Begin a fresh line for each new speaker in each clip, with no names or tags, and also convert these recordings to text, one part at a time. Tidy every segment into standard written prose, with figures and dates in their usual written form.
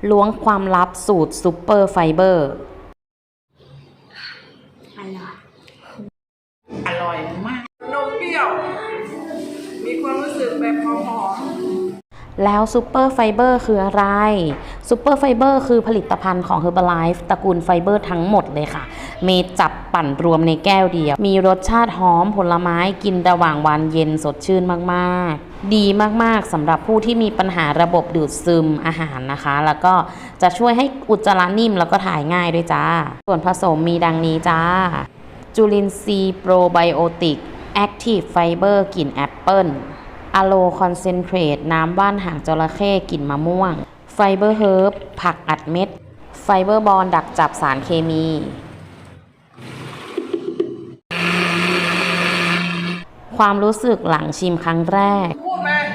ล้วงความลับสูตรซูเปอร์ไฟเบอร์
อร่อยมากนมเปรี้ยวมีความรู้สึกแบบหอม
แล้วซูเปอร์ไฟเบอร์คืออะไรซูเปอร์ไฟเบอร์คือผลิตภัณฑ์ของ Herbalife ตระกูลไฟเบอร์ทั้งหมดเลยค่ะเมจับปั่นรวมในแก้วเดียวมีรสชาติหอมผลไม้กินระหว่างวันเย็นสดชื่นมากๆดีมากๆสำหรับผู้ที่มีปัญหาระบบดูดซึมอาหารนะคะแล้วก็จะช่วยให้อุจจาระนิ่มแล้วก็ถ่ายง่ายด้วยจ้าส่วนผสมมีดังนี้จ้าจุลินทรีย์โปรไบโอติกแอคทีฟไฟเบอร์กลิ่นแอปเปิลอะโลคอนเซนเทรตน้ำว่านหางจระเข้กลิ่นมะม่วงไฟเบอร์เฮิร์บผักอัดเม็ดไฟเบอร์บอลดักจับสารเคมีความรู้สึกหลังชิมครั้งแรก
พูดมา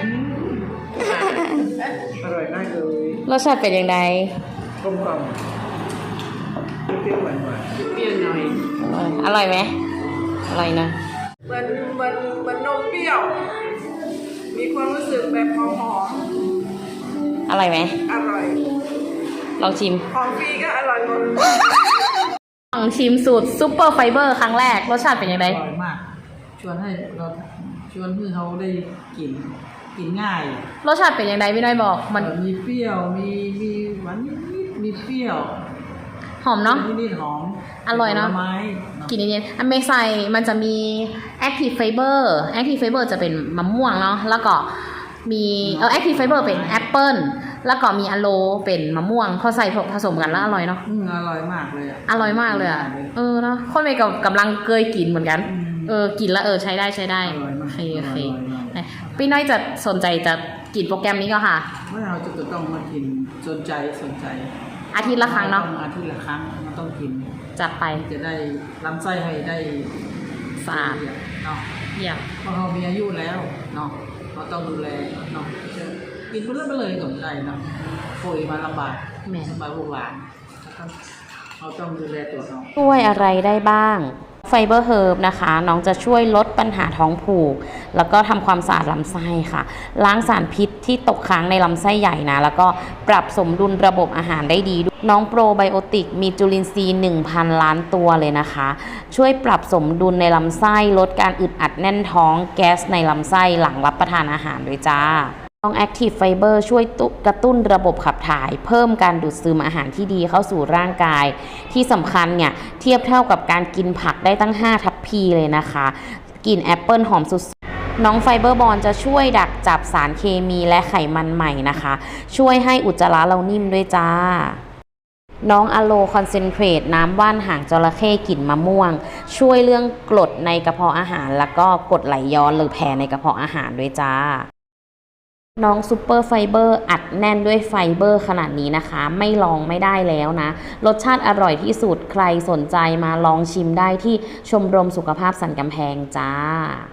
อร่อยมากเลย
รสชาติเป็นยังไง
กลมกล่อมเปรี้ยวหวานเปรี้ยวหน่อย
อร่อยไหมอร่อยนะ
เหมือนนมเปรี้ยวมีความรู้สึกแบบหอม
อร่อยไหม
อร่อย
ลองชิม
ของฟรีก็อร่อยหมด
ลองชิมสูตรซูเปอร์ไฟเบอร์ครั้งแรกรสชาติเป็นยังไง
อร่อยมากชวนให้เขาได้กินง่าย
รสชาติเป็นยังไงพี่น้อยบอกมัน
มีเปรี้ยวมีหวานนิดมีเปรี้ยว
หอมเนาะ
นิดหอม
อร่อยเนาะกินเย็นๆอันเมใส่มันจะมี Active Fiber Active Fiber จะเป็นมะม่วงเนาะแล้วก็มีActive Fiber เป็นแอปเปิ้ลแล้วก็มีอะโลเป็นมะม่วงพอใส่ผสมกันแล้วอร่อยเนาะ
อร่อยมากเลย
อร่อยมากเลยเนาะคนเมย์กำลังเคยกินเหมือนกันกินแล้วใช้ได้โอเคพี่น้อยจะสนใจจะกินโปรแกรมนี้ก็ค่ะ
ว่าเราจะต้องมากินสนใจ
อาทิตย์ละครั้งเนาะ
อาทิตย์ละครั้งมันต้องกิน
จัดไป
จะได้ลำไส้ให้ได้
สะอาด
เนาะเพราะเขามีอายุแล้วเนาะเราต้องดูแลเนาะกินไปเลยสนใจเนาะป่วยมาลำบากสบายบุหลานเราต้องดูแลตัวเรา
ช่วยอะไรได้บ้างไฟเบอร์เฮิร์บนะคะน้องจะช่วยลดปัญหาท้องผูกแล้วก็ทำความสะอาดลำไส้ค่ะล้างสารพิษที่ตกค้างในลำไส้ใหญ่นะแล้วก็ปรับสมดุลระบบอาหารได้ดีน้องโปรไบโอติกมีจุลินทรีย์ 1,000 ล้านตัวเลยนะคะช่วยปรับสมดุลในลำไส้ลดการอึดอัดแน่นท้องแก๊สในลำไส้หลังรับประทานอาหารด้วยจ้าน้อง Active Fiber ช่วยกระตุ้นระบบขับถ่ายเพิ่มการดูดซึมอาหารที่ดีเข้าสู่ร่างกายที่สำคัญเนี่ยเทียบเท่ากับการกินผักได้ตั้ง5 ทัพพีเลยนะคะกลิ่นแอปเปิลหอมสุดน้องไฟเบอร์บอลจะช่วยดักจับสารเคมีและไขมันใหม่นะคะช่วยให้อุจจาระเรานิ่มด้วยจ้าน้องอะโลคอนเซนเทรตน้ำว่านหางจระเข้กลิ่นมะม่วงช่วยเรื่องกรดในกระเพาะอาหารแล้วก็กรดไหลย้อนหรือแผลในกระเพาะอาหารด้วยจ้าน้องซูเปอร์ไฟเบอร์อัดแน่นด้วยไฟเบอร์ขนาดนี้นะคะไม่ลองไม่ได้แล้วนะรสชาติอร่อยที่สุดใครสนใจมาลองชิมได้ที่ชมรมสุขภาพสันกำแพงจ้า